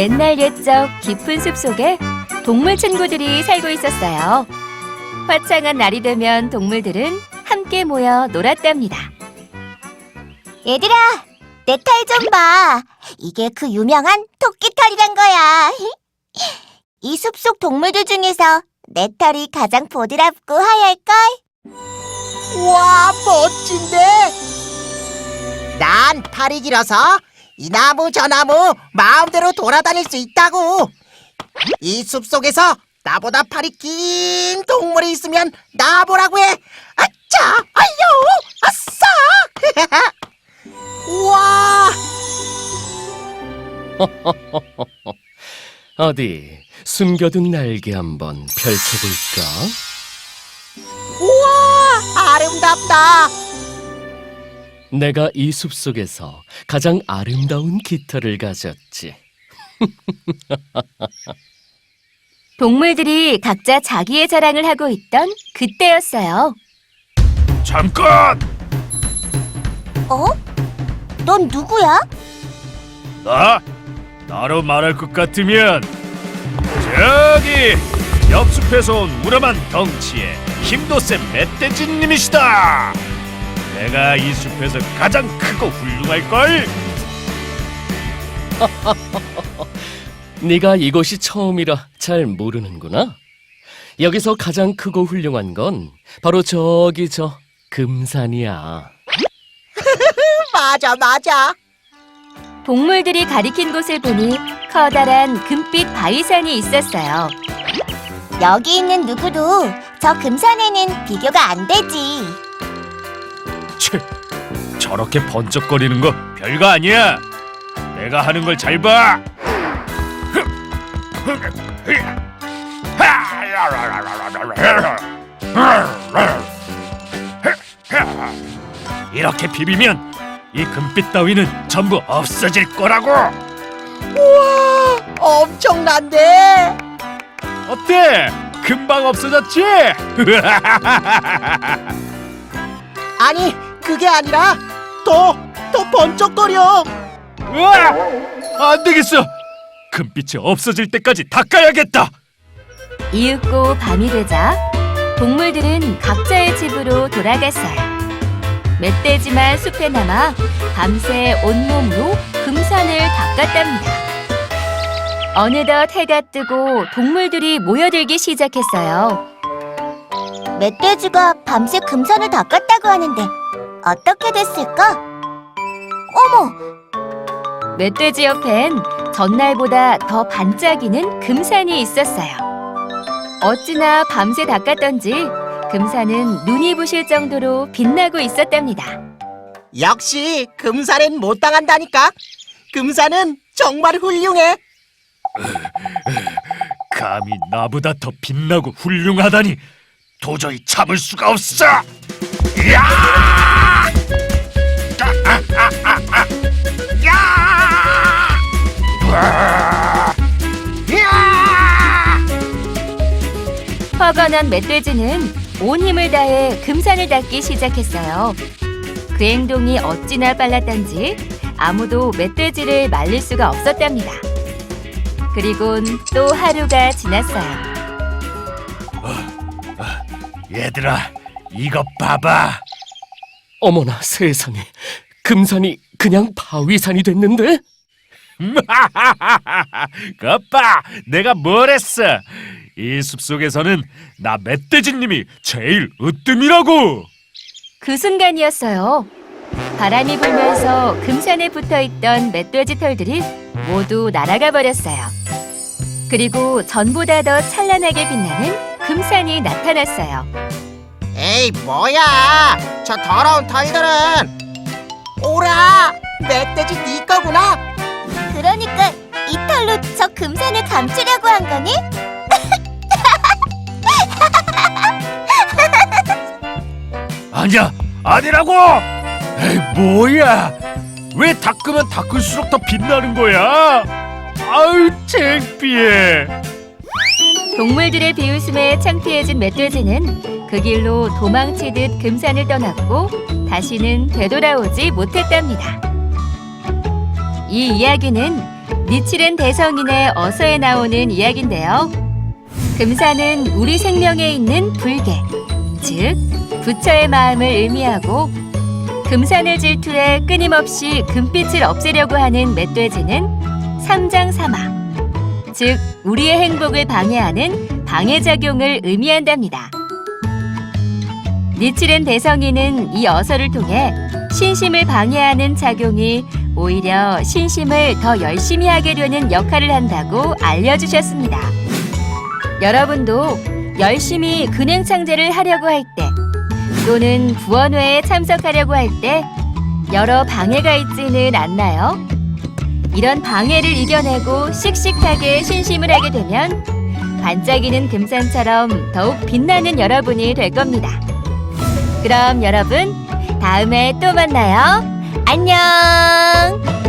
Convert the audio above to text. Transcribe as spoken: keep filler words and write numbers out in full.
옛날 옛적 깊은 숲속에 동물 친구들이 살고 있었어요. 화창한 날이 되면 동물들은 함께 모여 놀았답니다. 얘들아, 내 털 좀 봐. 이게 그 유명한 토끼털이란 거야. 이 숲속 동물들 중에서 내 털이 가장 보드랍고 하얄걸? 와, 멋진데? 난 팔이 길어서 이 나무 저 나무 마음대로 돌아다닐 수 있다고. 이 숲속에서 나보다 팔이 긴 동물이 있으면 나보라고 해. 아차, 아유, 아싸. 우와. 어디 숨겨둔 날개 한번 펼쳐볼까? 우와, 아름답다. 내가 이 숲속에서 가장 아름다운 깃털을 가졌지. 동물들이 각자 자기의 자랑을 하고 있던 그때였어요. 잠깐! 어? 넌 누구야? 나? 나로 말할 것 같으면 저기 옆숲에서 온 우람한 덩치에 힘도 센 멧돼지님이시다. 내가 이 숲에서 가장 크고 훌륭할걸? 네가 이곳이 처음이라 잘 모르는구나. 여기서 가장 크고 훌륭한 건 바로 저기 저 금산이야. 맞아, 맞아. 동물들이 가리킨 곳을 보니 커다란 금빛 바위산이 있었어요. 여기 있는 누구도 저 금산에는 비교가 안 되지. 치, 저렇게 번쩍거리는 거 별거 아니야. 내가 하는 걸 잘 봐. 이렇게 비비면 이 금빛 따위는 전부 없어질 거라고. 우와, 엄청난데? 어때? 금방 없어졌지? 아니, 그게 아니라 더, 더 번쩍거려. 우와! 안 되겠어. 금빛이 없어질 때까지 닦아야겠다. 이윽고 밤이 되자 동물들은 각자의 집으로 돌아갔어요. 멧돼지만 숲에 남아 밤새 온몸으로 금산을 닦았답니다. 어느덧 해가 뜨고 동물들이 모여들기 시작했어요. 멧돼지가 밤새 금산을 닦았다고 하는데 어떻게 됐을까? 어머! 멧돼지 옆엔 전날보다 더 반짝이는 금산이 있었어요. 어찌나 밤새 닦았던지 금산은 눈이 부실 정도로 빛나고 있었답니다. 역시 금산엔 못 당한다니까. 금산은 정말 훌륭해. 감히 나보다 더 빛나고 훌륭하다니 도저히 참을 수가 없어. 야! 아, 아, 아, 아, 아. 야! 으아! 야! 화가 난 멧돼지는 온 힘을 다해 금산을 닦기 시작했어요. 그 행동이 어찌나 빨랐던지 아무도 멧돼지를 말릴 수가 없었답니다. 그리곤 또 하루가 지났어요. 얘들아, 이것 봐봐. 어머나 세상에, 금산이 그냥 바위산이 됐는데? 것 봐, 내가 뭘 했어. 이 숲속에서는 나 멧돼지님이 제일 으뜸이라고. 그 순간이었어요. 바람이 불면서 금산에 붙어있던 멧돼지 털들이 모두 날아가 버렸어요. 그리고 전보다 더 찬란하게 빛나는 금산이 나타났어요. 에이, 뭐야. 저 더러운 털들은. 오라, 멧돼지 네 거구나. 그러니까 이 털로 저 금산을 감추려고 한 거니? 아니야, 아니라고. 에이, 뭐야. 왜 닦으면 닦을수록 더 빛나는 거야? 아유, 창피해. 동물들의 비웃음에 창피해진 멧돼지는 그 길로 도망치듯 금산을 떠났고 다시는 되돌아오지 못했답니다. 이 이야기는 니칠엔 대성인의 어서에 나오는 이야기인데요. 금사는 우리 생명에 있는 불계, 즉 부처의 마음을 의미하고 금산을 질투해 끊임없이 금빛을 없애려고 하는 멧돼지는 삼장사마, 즉 우리의 행복을 방해하는 방해작용을 의미한답니다. 니칠엔 대성인은 이 어서를 통해 신심을 방해하는 작용이 오히려 신심을 더 열심히 하게 되는 역할을 한다고 알려주셨습니다. 여러분도 열심히 근행창제를 하려고 할 때 또는 구원회에 참석하려고 할 때 여러 방해가 있지는 않나요? 이런 방해를 이겨내고 씩씩하게 신심을 하게 되면 반짝이는 금산처럼 더욱 빛나는 여러분이 될 겁니다. 그럼 여러분, 다음에 또 만나요. 안녕!